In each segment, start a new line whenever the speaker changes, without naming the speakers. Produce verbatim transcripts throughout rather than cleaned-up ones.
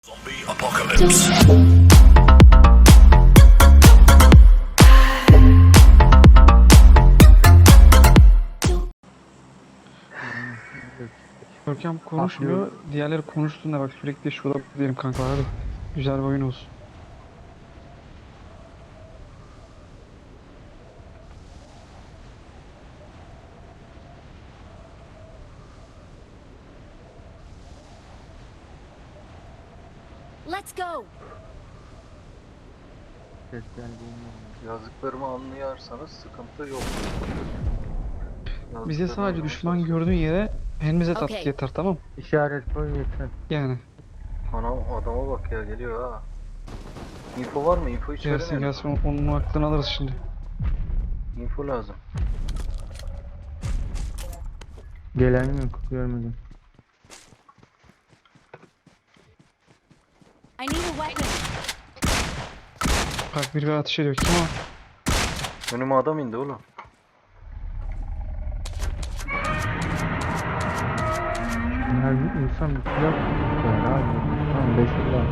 Zombie apocalypse.
Görkem konuşmuyor. Diğerleri konuştuğunda bak sürekli şurada diyelim kanka hadi. Güzel bir oyun olsun.
Let's go.
Ses geldiğini
Yazdıklarımı anlayarsanız sıkıntı yok.
Bize
Yazdıklarımı
sadece düşman
anlamazsanız-
gördüğün yere elimize tat
Okey.
yeter, tamam.
işaret koy yeter.
Yani
Ana adama bak ya, geliyor ha. Info var mı? Info hiç
gelsin
veremiyorum.
gelsin onun, onun aklını alırız şimdi.
Info lazım.
Gelen yok, görmedim.
I need a weapon.
Bak biri bir ateş ediyor. Kim o?
Önüme adam indi oğlum.
Her insan bir silah tutuyor abi. Tamam beş yıl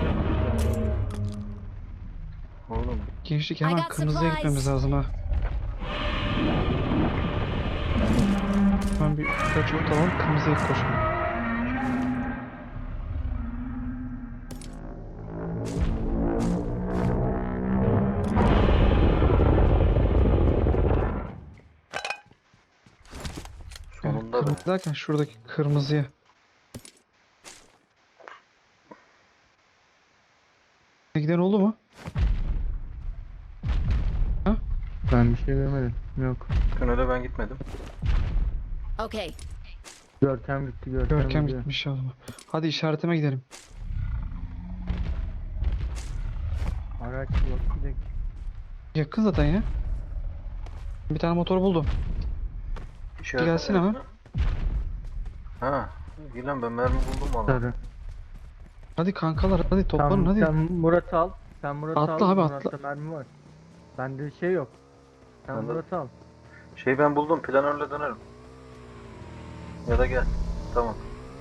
Oğlum
Gençlik
I
hemen
got
kırmızıya
supplies.
gitmemiz lazım ha. Hemen bir birkaç ot alalım, kırmızıya koşalım. Yani
sonunda be.
kırmızı derken şuradaki kırmızıya. Giden oldu mu?
Ben bir şey görmedim. Yok.
Tünele ben gitmedim.
Okay.
Görkem gitti, Görkem,
Görkem
gidiyor.
gitmiş ya. Hadi işaretime gidelim.
Araç yok, gidelim.
Yakın zaten ya. Bir tane motor buldum.
İşaret
Gelsin ama.
Ha. İyi lan, ben mermi buldum valla.
Sarı.
Hadi kankalar hadi toplanın
Sen,
hadi.
sen Murat'ı al. Sen Murat'ı
Atla
al.
abi,
Murat'ta
atla.
mermi var. Bende şey yok. Sen
Bende-
Murat'ı al.
Şey ben buldum, planörle dönerim. Ya da gel. Tamam.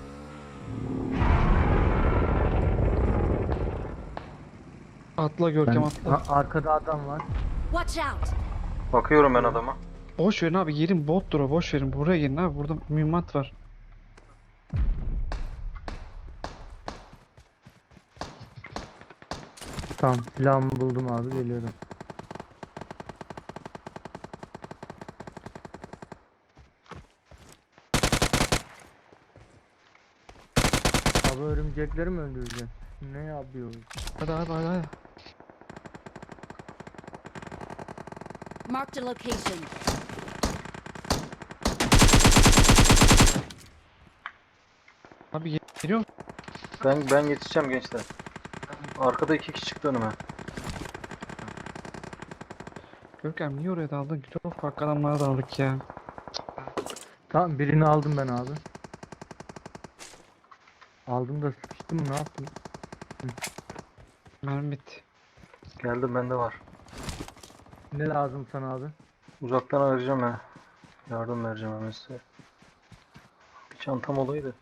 Atla
Ben,
Görkem atla.
Ha, arkada adam var.
Watch out.
Bakıyorum ben adama.
Boş verin abi, yerin bottur o, boş verin. Buraya gelin abi, burada mühimmat var.
Tamam, silahımı buldum abi, geliyorum. Abi örümcekleri mi öldüreceğiz? Ne yapıyoruz?
Hadi hadi hadi hadi.
Marked a location.
Abi gel- geliyor musun?
Ben ben yetişeceğim gençler. Arkada iki kişi çıktı önüme.
Görkem niye oraya daldın? Çok farklı adamlara daldık ya.
Tamam, birini aldım ben abi. Aldım da sıkıştım mı, ne yaptım?
Mermi bitti.
Geldim, bende var.
Ne lazım sana abi?
Uzaktan arayacağım ha. Yardım vereceğim hemen size. Bir çantam olaydı.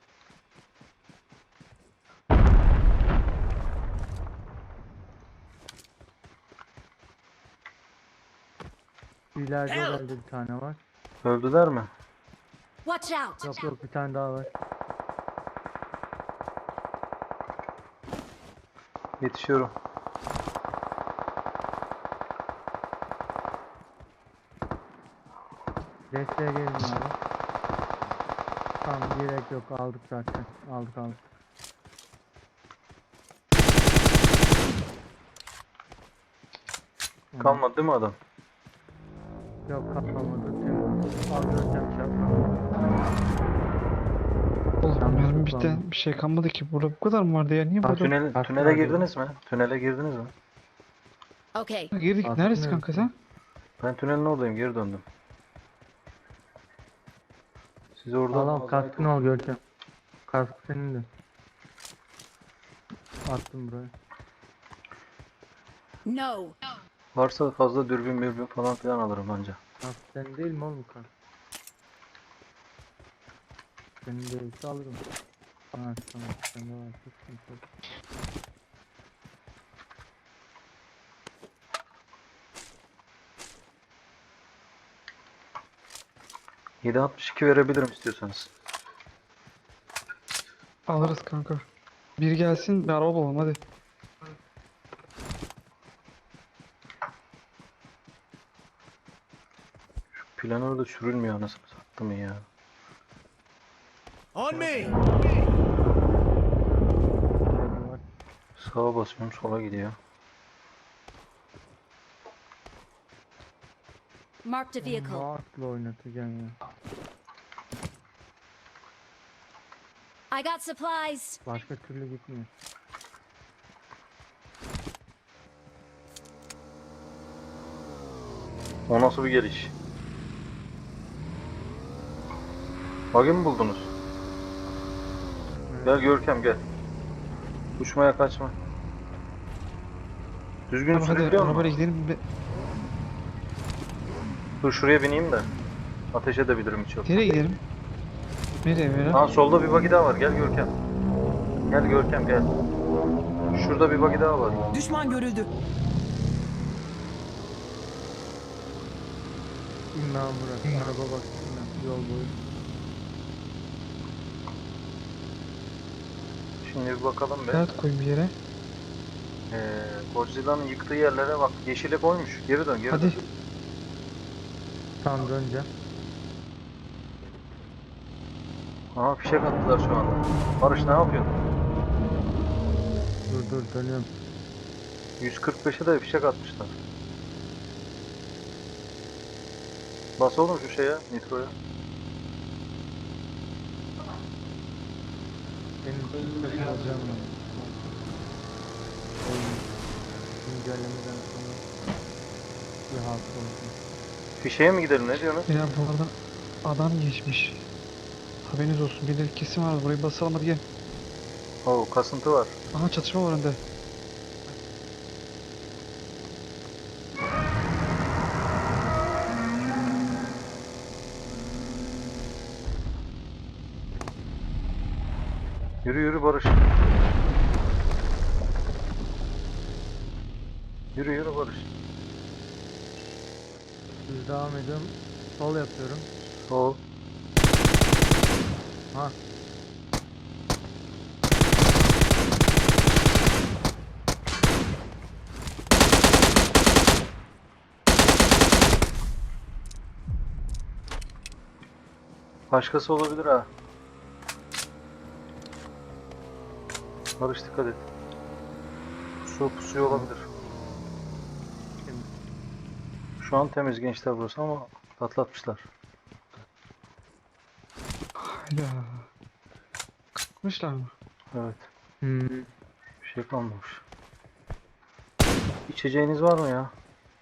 İleride herhalde bir tane var.
Öldüler mi?
Watch out.
Yok yok, bir tane daha var.
Yetişiyorum.
Desteğe gelin abi. Tamam, gerek yok, aldık zaten. Aldık aldık. Tamam.
Kalmadı değil mi adam?
Yok, kaplamadı. Temiz. Al Görkem çarp.
Oğlum
Tamam,
mermi
tamam.
bitti. Bir şey kalmadı ki. Burada bu kadar mı vardı ya? Niye
Ha,
burada?
Tünel,
Aslında
tünele
diyorum.
girdiniz mi? Tünele girdiniz mi?
Okay.
Girdik.
Aslında
Neredesin
evet.
kanka sen?
Ben tünelin oradayım, geri döndüm. Siz orada
Al al, kaskını al Görkem. Kask senin de. Attım buraya.
No.
varsa fazla dürbün mürbün falan filan alırım anca.
Kask senin değil mi oğlum kask? Senin değilse alırım. Ha tamam. Sen de var. Sıkıntı yok.
yedi altmış iki verebilirim istiyorsanız.
Alırız kanka. Bir gelsin bir araba bulalım hadi.
Planör da sürülmüyor anasını sattım ya.
On me!
Hadi var.
Sağa basıyorum sola gidiyor.
Marked a vehicle.
Rahatla oynatacaksın ya.
I got supplies.
Başka türlü gitmiyor.
O nasıl bir geliş? Bug'i mi buldunuz? Gel Görkem gel. Uçmaya kaçma. Düzgün
Tamam hadi
sürebiliyor musun?
arabayla gidelim. Be-
Dur şuraya bineyim de. Ateş edebilirim hiç yok.
Nereye gidelim? Nereye böyle?
Aa solda bir bug'i daha var. Gel Görkem. Gel Görkem gel. Şurada bir bug'i daha var.
Düşman görüldü.
İmam bırak. Araba bak. İmam. Yol boyu.
Şimdi bir bakalım be.
Kağıt koyun bir yere.
Ee, Godzilla'nın yıktığı yerlere bak. Yeşile koymuş. Geri dön geri
Hadi.
dön.
Tam döneceğim.
Aha fişek attılar şu anda. Barış ne yapıyorsun?
Dur dur dönüyorum.
yüz kırk beşe de fişek atmışlar. Bas oğlum şu şeye, nitroya.
Senin sesini alacağım ben. Oyun güncellemeden sonra bir halt olsun.
Fişeğe mi gidelim ne diyorsunuz?
Ya bu arada adam geçmiş. Haberiniz olsun. Birileri kesin var. Burayı basalım hadi gel.
Oo kasıntı var.
Aha çatışma var önde.
Yürü yürü Barış. Yürü yürü Barış.
Düz devam ediyorum. Sol yapıyorum.
Sol.
Ha.
Başkası olabilir ha. Barış dikkat et. Su pusuyor olabilir. Şu an temiz gençler burası ama patlatmışlar.
Hayda. Kalkmışlar mı?
Evet.
Hmm.
Bir şey kalmamış. İçeceğiniz var mı ya?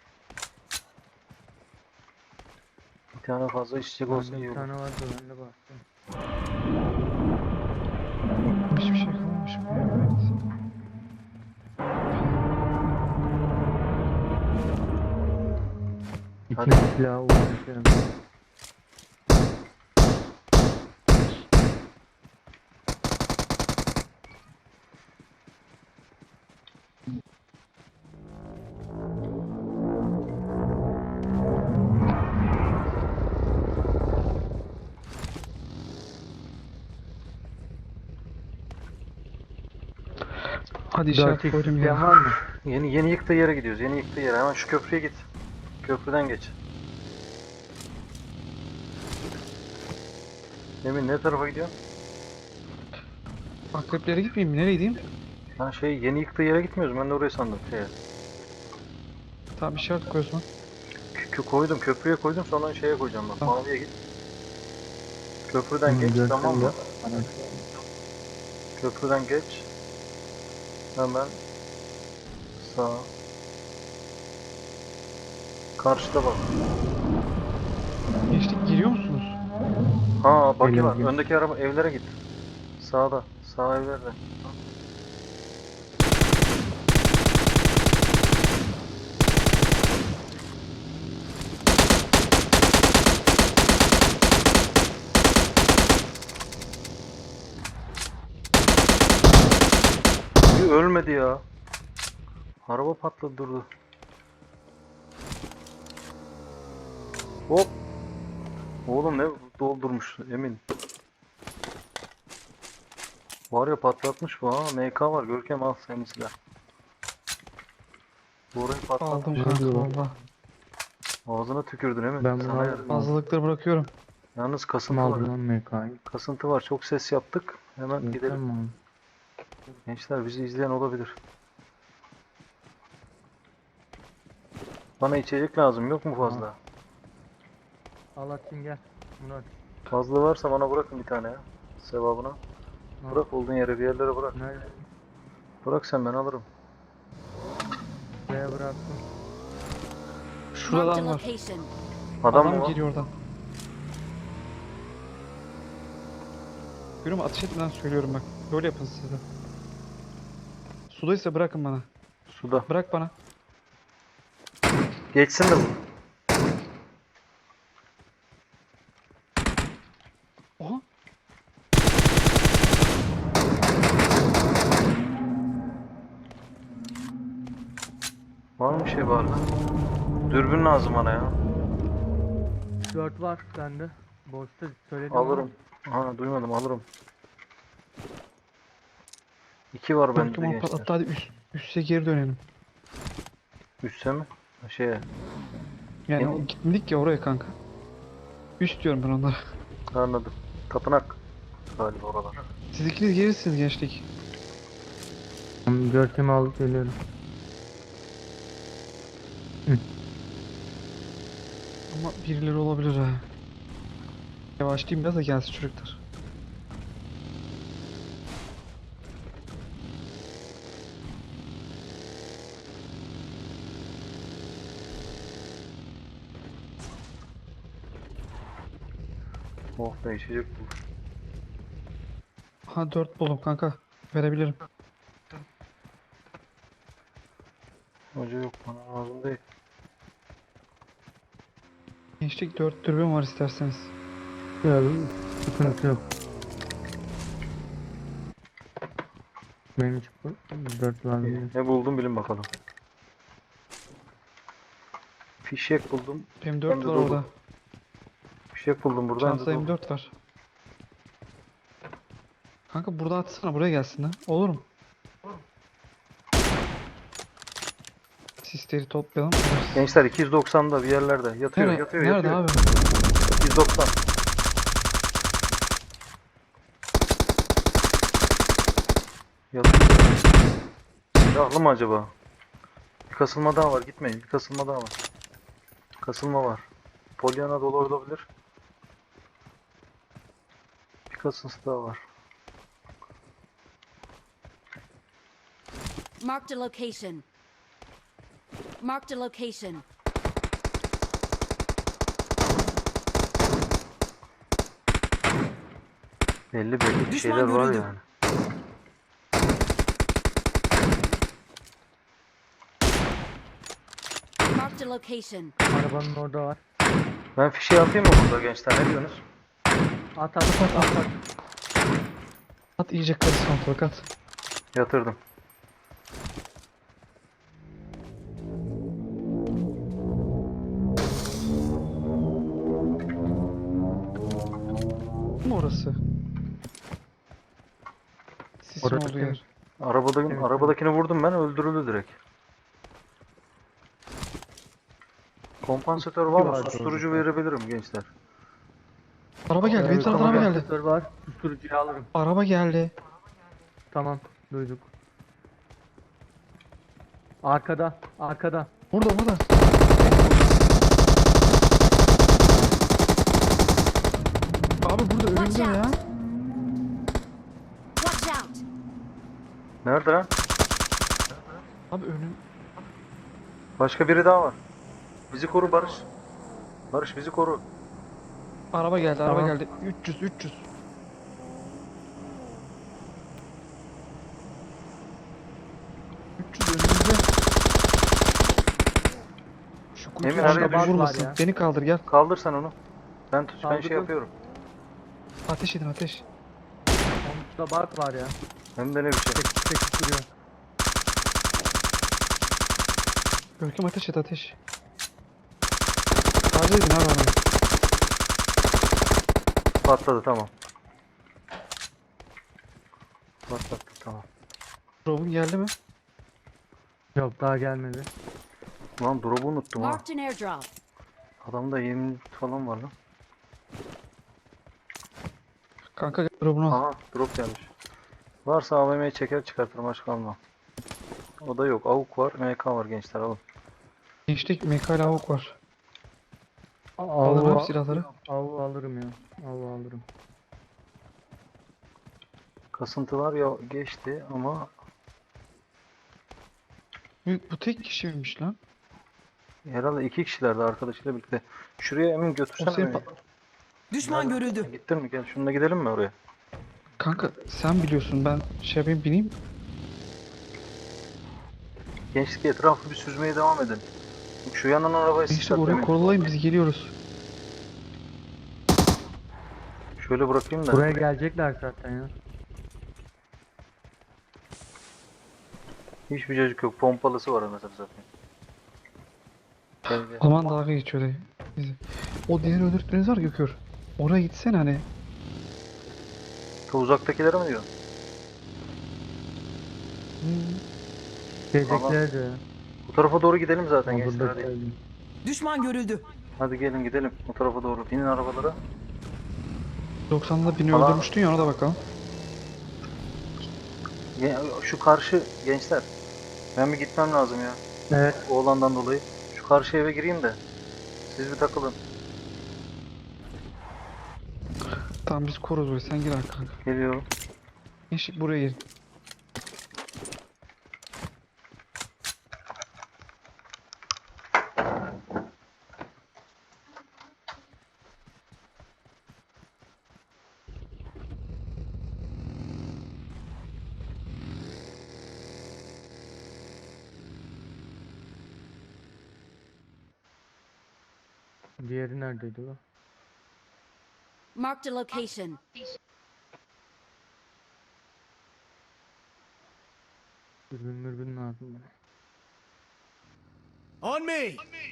Bir tane fazla içecek olsa
Bende
iyi
bir
olur.
tane vardı ben de bastım.
Hiçbir şey kalmamış mı? Evet.
Hadi.
İkinci silahı uğraşıyorum.
Hadi
dört
işaret
x
koydum
isteyen
ya.
var mı?
Yeni yeni yıktığı yere gidiyoruz. Yeni yıktığı yere. Hemen şu köprüye git. Köprüden geç. Emin ne tarafa gidiyor?
Akreplere gitmeyeyim mi? Nereye gideyim?
Ha şey yeni yıktığı yere gitmiyoruz. Ben de orayı sandım. Şey,
Tamam işaret koy o zaman.
kö- koydum. Köprüye koydum. Sonra şeye koyacağım bak.
Tamam.
Maviye git. Köprüden
Hı,
geç.
görsel
Tamam mı?
yok.
Köprüden geç. Hemen sağ. Karşıda bak.
Geçtik giriyor musunuz?
Ha bak
Geliyor,
var.
geliyor.
Öndeki araba evlere git. Sağda. Sağ evlerde. ölmedi ya. Araba patladı durdu. Hop. Oğlum ne doldurmuş Emin. Var ya patlatmış bu ha. M K var. Görkem al senin silah. Bu orayı patlatmış.
Aldım kanka valla.
Ağzına tükürdün Emin.
Ben bunu
Sana
aldım.
yardım.
Fazlalıkları bırakıyorum.
Yalnız
Kim
kasıntı
aldı
var.
lan M K'yı?
Kasıntı var. Çok ses yaptık. Hemen
Gidelim
gidelim.
mi?
Gençler bizi izleyen olabilir. Bana içecek lazım. Yok mu fazla?
Al atayım gel. Murat.
Fazla varsa bana bırakın bir tane ya. Sevabına.
Al.
Bırak olduğun yere bir yerlere bırak.
Nerede?
Bırak sen ben alırım.
Buraya bıraktım.
Şurada
Marked a
adam var.
location.
Adam,
Adam
mı var?
geliyor oradan. Görüyor musun? Ateş etmeden söylüyorum bak. Böyle yapın siz de. Sudaysa bırakın bana.
Suda.
Bırak bana.
Geçsin de bu.
Oha.
Var mı bir şey var lan? Dürbün lazım bana ya.
dört var sende. Boşta söyledim ama.
Alırım. Ha duymadım alırım. İki var bende
Korktum
de
ama
gençler.
patlattı. Hadi üst, üste geri dönelim.
Üste mi? Ha, Şeye.
Yani
Emin-
o gitmedik ya oraya kanka. Üst diyorum ben onlara.
Anladım. Tapınak. Galiba oralar.
Siz ikiniz gelirsiniz gençlik.
Tamam, Görkem'i alıp geliyorum.
Ama birileri olabilir ha. Yavaşlayayım biraz da gelsin çocuklar.
Oh be içecek bu.
Ha dört buldum kanka. Verebilirim.
Hoca yok bana lazım değil.
Gençlik dört dürbün var isterseniz.
Ya sıkıntı yok. Benim hiç bu dört var değil.
Ne buldum bilin bakalım. Fişek buldum.
Benim
Hem
dört
de
var
dolu.
orada.
Fişek buldum buradan.
Çantada M dört var. Kanka burada atsana buraya gelsin ha. Olur mu? Sisleri toplayalım. alırız.
Gençler iki yüz doksan'da bir yerlerde yatıyor
Nerede,
yatıyor
nerede
yatıyor.
abi?
iki yüz doksan. Yatıyor. Silahlı mı acaba? Bir kasılma daha var gitmeyin. Bir kasılma daha var. Kasılma var. Polyana dolu olabilir. Bir kasıntısı daha var.
Marked a location. Marked a location.
Belli belli bir
Düşman
şeyler var
görüldü.
yani.
Marked a location.
Arabanın orada var.
Ben fişeği atayım mı burada gençler ne diyorsunuz?
At at at at. at.
At iyice karışsın ortalık at.
Yatırdım.
Bu mu orası? Sisin
Orası
olduğu yer.
Arabadaki,
Evet,
arabadakini vurdum ben öldürüldü direkt. Kompansatör var mı?
vardı
Susturucu
orada.
verebilirim gençler.
Araba geldi. Benim
Evet,
taraftan araba geldi.
kompansatör var. Susturucuyu alırım.
Araba geldi.
Tamam duyduk. Arkada. Arkada.
Burada burada. Abi burada
Watch
önümde ya.
out. Watch out.
Nerede lan?
Abi önüm.
Başka biri daha var. Bizi koru Barış. Barış bizi koru.
Araba geldi, araba
Tamam.
geldi. üç yüz, üç yüz. üç yüz önümüzde. Şu kutu
Emin,
altında
araya
bir
düş.
vurmasın.
Var ya.
Beni kaldır gel.
Kaldır sen onu. Ben tut, ben şey
Kaldırdım.
yapıyorum.
Ateş edin ateş.
Onda bak var ya.
Hem de ne bir şey.
Çekip çekip duruyor.
Görkem ateş et ateş. Taze edin abi adamı.
Patladı tamam. Patlattı tamam.
Drop'un geldi mi?
Yok daha gelmedi.
Lan drop'u unuttum ha.
Marked an airdrop.
Adamda yirmi falan var lan.
Kanka gel drop'unu al.
Aha drop gelmiş. Varsa A V M'yi çeker çıkartırım başka almam. O da yok. AUK var, M K var gençler alın.
Gençlik mekal avuk var.
Av,
Alın
av,
abi silahları.
av alırım ya. Av alırım.
Kasıntılar ya geçti ama
Bu, bu tek kişi miymiş lan?
herhalde iki kişilerdi arkadaşıyla birlikte. Şuraya Emin
O
götürsene
senin
beni.
pa-
Düşman görüldü.
Gittin mi? Gel şununla gidelim mi oraya?
Kanka sen biliyorsun, ben şey yapayım bineyim.
Gençlik etrafı bir süzmeye devam edin. Şu yanan arabayı
Gençlik
sıçrat
orayı
Emin.
korulayın, biz geliyoruz.
Şöyle bırakayım da.
Buraya gelecekler zaten ya.
Hiçbir çocuk yok. Pompalısı var mesela zaten. Gel gel.
Aman dalga geçiyor dayı. Bizi. O diğer öldürdükleriniz var Gökür. Oraya gitsene hani.
Ta uzaktakilere mi diyorsun?
Hmm.
Gelecekler de.
Bu tarafa doğru gidelim zaten
Ama
gençler
burada
hadi.
söyleyeyim.
Düşman görüldü.
Hadi gelin gidelim o tarafa doğru. Binin arabalara.
doksanla bini
Allah.
öldürmüştün ya, ona da bakalım.
Ge- Şu karşı gençler. Ben bir gitmem lazım ya.
Evet.
Oğlandan dolayı. Şu karşı eve gireyim de. Siz bir takılın.
Tamam biz koruz burayı, sen gir abi kanka.
Geliyorum.
Gençlik buraya gelin.
Diğeri neredeydi o?
Marked a location.
Dürbün mürbün lazım bana.
On me.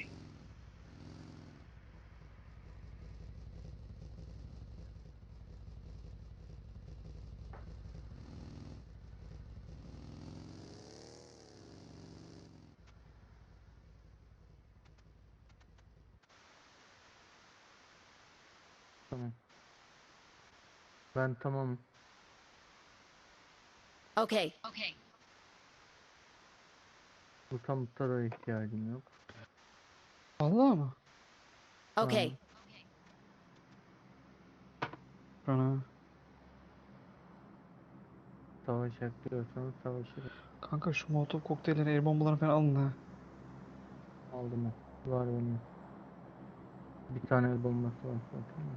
Tamam. Ben tamamım.
Okay. Okay.
Bu tamuta da ihtiyacım yok.
Allah mı?
Okay.
Ana.
Savaşacak diyorsanız savaşırım.
Kanka şu molotov kokteylleri, el bombalarını falan alın ha.
Aldım o. Var benim. Bir tane el bombası var zaten.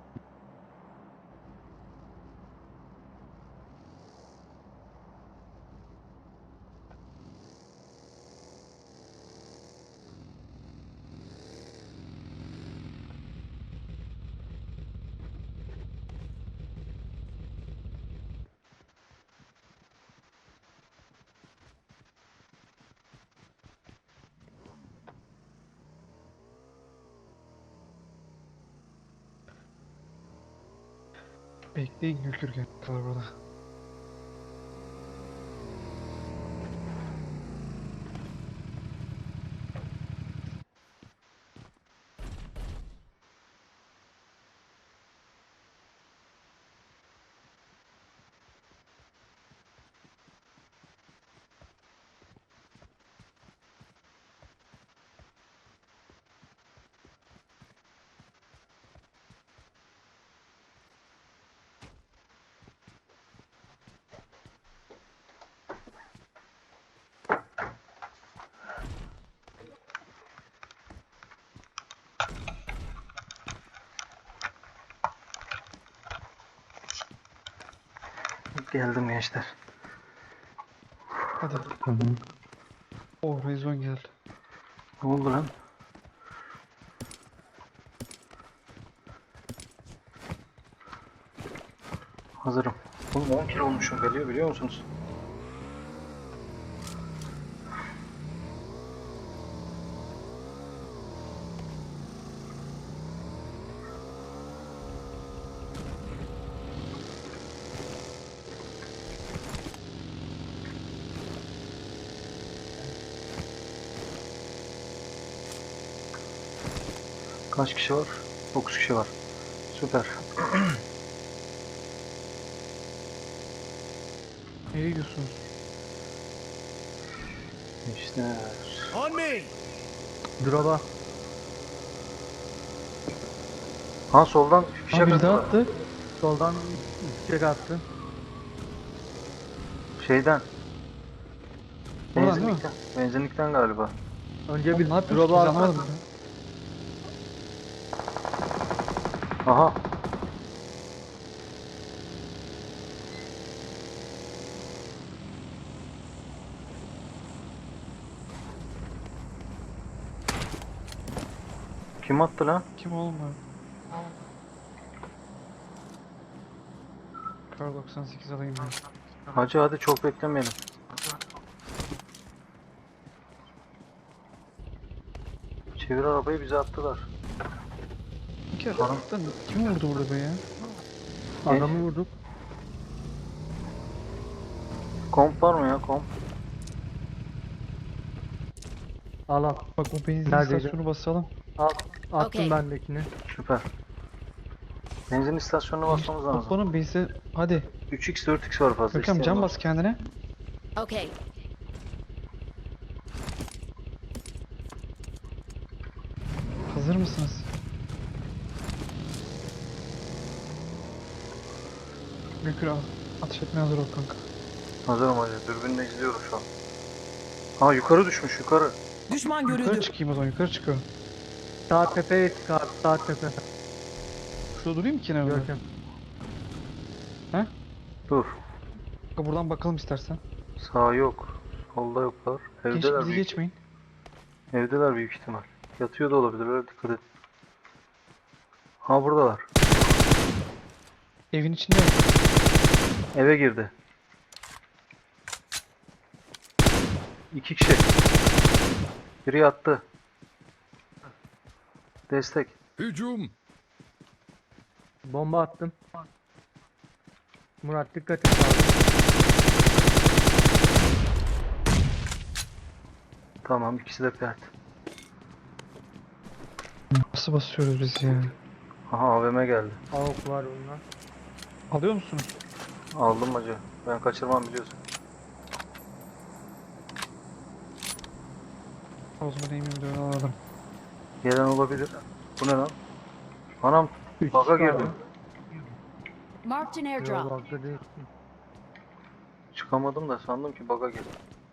Bekleyin Gökür gel kadar burada.
Geldim gençler.
Hadi.
Hı hı.
Oh, rezon geldi.
Ne oldu lan? Hazırım. Oğlum on kilo olmuşum geliyor biliyor musunuz? Kaç kişi var? dokuz kişi var. Süper.
Nereye gidiyorsunuz?
İşte.
On me!
Drop'a.
Ha soldan fişek
Aa, biri daha
attılar.
attı.
Soldan çiçek attı.
Şeyden.
Oradan değil mi?
Benzinlikten. Benzinlikten galiba.
Önce
Oğlum
bir
ne yapıyorsunuz?
drop'a
Biz
attı.
anlamadım ya.
Aha. Kim attı lan?
Kim oğlum bu? Kar doksan sekiz alayım ben.
Hacı hadi çok beklemeyelim. Çevir arabayı, bize attılar.
Bir kere lan kim vurdu burada be ya?
Adamı vurduk.
Komp var mı ya, komp?
Al al.
Bak o benzin
Neredeydi?
istasyonu basalım.
Al. Attım
Okey.
bendekini.
Süper. Benzin istasyonuna basmamız lazım.
Toplanın benzin. Hadi.
üç x dört x var fazla.
Görkem
isteyen
can
var.
bas kendine.
Okay.
Hazır mısınız? Mükür al. Atış etmeye hazır ol kanka.
Hazırım hacı. Dürbünle izliyorum şu an. Ha yukarı düşmüş, yukarı.
Düşman
Yukarı
görüldü.
çıkayım o zaman, yukarı çıkıyorum.
Sağ tepeye çık abi. Sağ tepe.
Şurada durayım mı kenarda?
Görkem.
Dur.
Kanka buradan bakalım istersen.
Sağ yok. Solda yoklar.
Geç,
Evdeler
bizi
büyük.
geçmeyin.
Evdeler büyük ihtimal. Yatıyor da olabilir. Öyle dikkat et. Ha buradalar.
Evin içinde.
Eve girdi. İki kişi. Biri yattı. Destek.
Hücum!
Bomba attım. Murat dikkat et abi.
Tamam, ikisi de pert.
Nasıl basıyoruz biz ya?
Aha A V M geldi.
Avuk var bunlar.
Alıyor musunuz?
Aldım hacı. Ben kaçırmam biliyorsun.
O zaman emin de alalım.
Gelen olabilir. Bu ne lan? Anam
Üç
baka
kişi
girdim.
abi.
Marked an
Yok
airdrop.
bakta değil.
Çıkamadım da sandım ki baka girdim.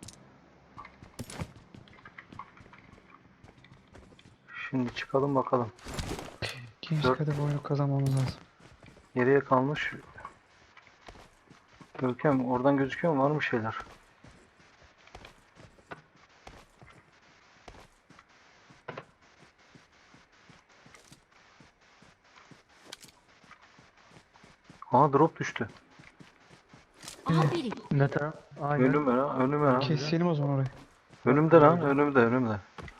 Şimdi çıkalım bakalım.
Genç
Dört.
kadar oyunu kazanmamız lazım.
Geriye kalmış. Görkem oradan gözüküyor mu? Var mı şeyler? Aa drop düştü.
Aha biri.
Ne taraf? Aynen.
Önüme lan, önüme lan.
Keselim o zaman orayı.
Önümde lan, önümde, önümde.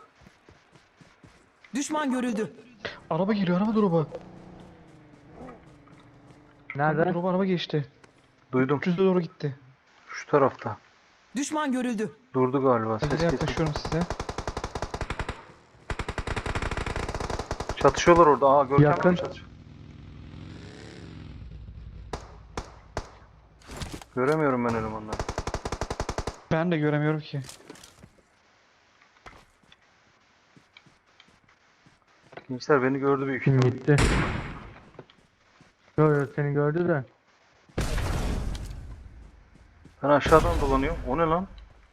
Düşman görüldü.
Araba geliyor, araba drop'a.
Nerede?
Drop'a araba geçti.
Duydum.
üç yüze doğru gitti.
Şu tarafta.
Düşman görüldü.
Durdu galiba. Ses
Hadi
kesildi.
yaklaşıyorum size.
Çatışıyorlar orada. Aa Görkem
Yakın.
çatışıyor. Göremiyorum ben elemanları.
Ben de göremiyorum ki.
Gençler beni gördü büyük
Kim
ihtimal.
gitti? Yok yok seni gördü de.
Ben aşağıdan dolanıyorum. O ne lan?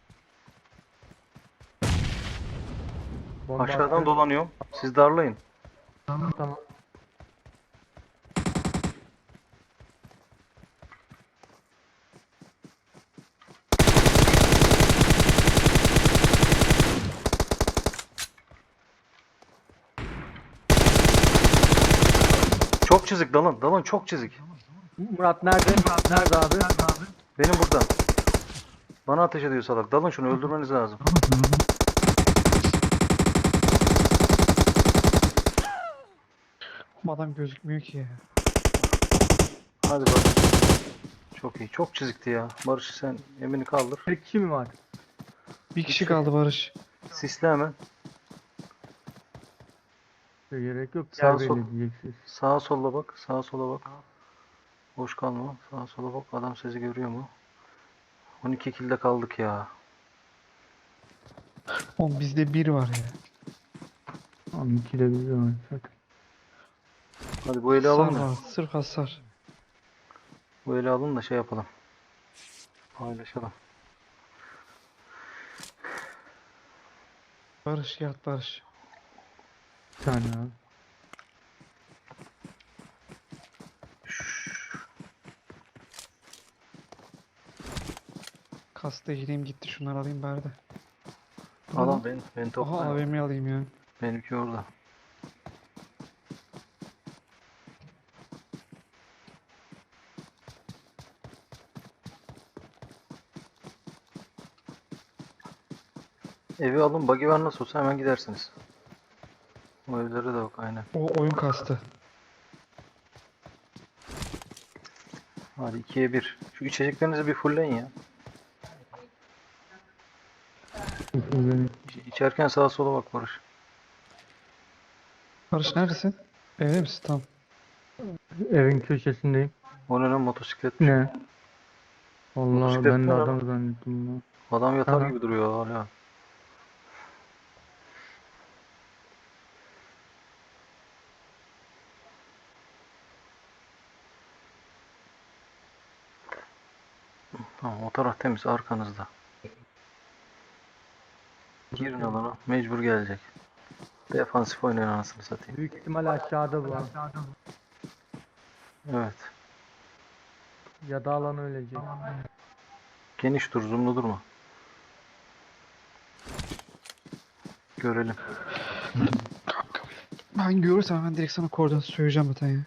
Bomba
Aşağıdan
attı.
dolanıyorum. Siz darlayın.
Tamam tamam.
Çok çizik dalın. Dalın çok çizik.
Murat nerede? Murat nerede abi?
Benim burada. Bana ateş ediyor salak. Dalın şunu, öldürmeniz lazım.
Bu adam gözükmüyor ki ya.
Hadi bak. Çok iyi. Çok çizikti ya. Barış sen Emin'i kaldır.
Tek kişi mi var?
Bir kişi kaldı Barış.
Sisle hemen.
işte gerek yok.
Sağ
Yer
sol.
belli diyeceksiniz.
Sağa sola bak. Sağa sola bak. Boş kalma. Sağa sola bak. Adam sizi görüyor mu? on iki kilde kaldık ya.
Oğlum bizde bir var ya.
Tamam ikide bir oynasak.
Hadi bu eli
Hasar
alın da.
var. Sırf hasar.
Bu eli alın da şey yapalım. Paylaşalım.
Barış yat Barış.
Bir tane abi.
Kasta gireyim gitti. Şunları alayım bari de. Bu ne
Al
lan?
al ben, ben
Aha
topla.
A V M alayım ya.
Benimki orada. Evi alın, buggy var nasıl olsa hemen gidersiniz. O evlere de bak aynen.
O oyun kastı.
Hadi ikiye bir. Şu içeceklerinizi bir fullleyin ya.
Benim
İç- İçerken sağa sola bak Barış.
Barış neredesin? Evde misin? Tamam.
evin köşesindeyim.
O ne lan motosiklet?
Ne? Vallahi
Motosiklet
ben
mi
de
lan?
adam zannettim ya.
Adam yatar
Aha.
gibi duruyor hala. Tamam o taraf temiz arkanızda. Girin alana mecbur gelecek. Defansif oynayın anasını satayım.
Büyük ihtimal aşağıda bu.
Evet.
Ya da alan ölecek.
Geniş dur zoomlu durma. Görelim.
Ben görürsem hemen direkt sana koordinatı söyleyeceğim zaten ya.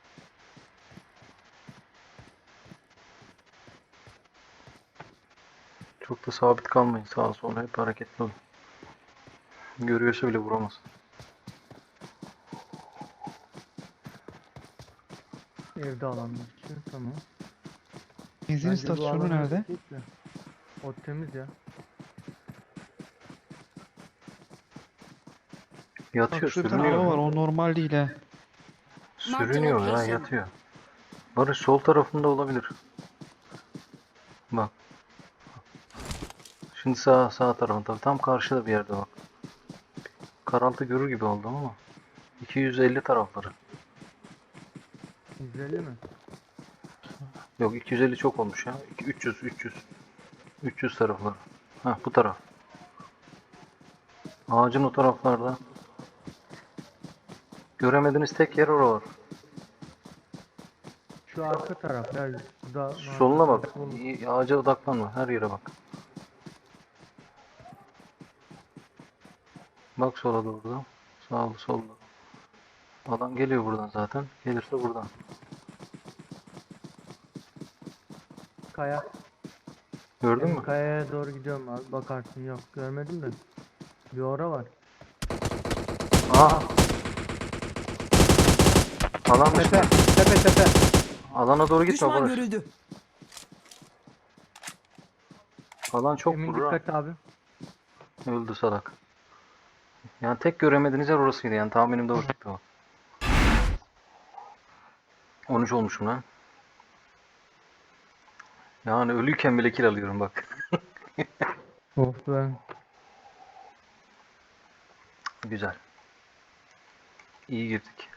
Çok da sabit kalmayın sağa sola hep hareketli olun. Görüyorsa bile vuramaz.
Evde alan için tamam.
Benzin
Bence bu
istasyonu
alan
nerede?
ölecek de. O temiz ya.
Yatıyor
Bak şurada bir tane
sürünüyor.
araba var. O normal değil ha.
Sürünüyor ya
location.
yatıyor. Barış sol tarafında olabilir. Bak. Şimdi sağ sağ tarafında tam karşıda bir yerde bak. Karaltı görür gibi oldum ama. iki yüz elli tarafları.
yüz elli mi?
Yok iki yüz elli çok olmuş ya. İki- üç yüz üç yüz. üç yüz tarafları. Ha bu taraf. Ağacın o taraflarda. Göremediğiniz tek yer oralar.
Şu arka taraf ya. Şurada
Soluna bak.
Solun-
İyi, ağaca odaklanma. Her yere bak. Bak sola doğru da. Sağlı solda. Adam geliyor buradan zaten. Gelirse buradan.
Kaya.
Gördün
Benim
mü?
kayaya doğru gidiyorum abi. Bakarsın yok. Görmedim de. Bir ora var.
Aa. Alan
Tepe.
dışında.
Tepe tepe.
Alana doğru gitme
Düşman
Barış.
görüldü.
Alan çok
Emin
vurur ha.
dikkat abi.
Öldü salak. Yani tek göremediğiniz yer orasıydı yani tahminim doğru çıktı o. on üç olmuşum lan. Yani ölüyken bile kill alıyorum bak.
Of be.
Güzel. İyi girdik.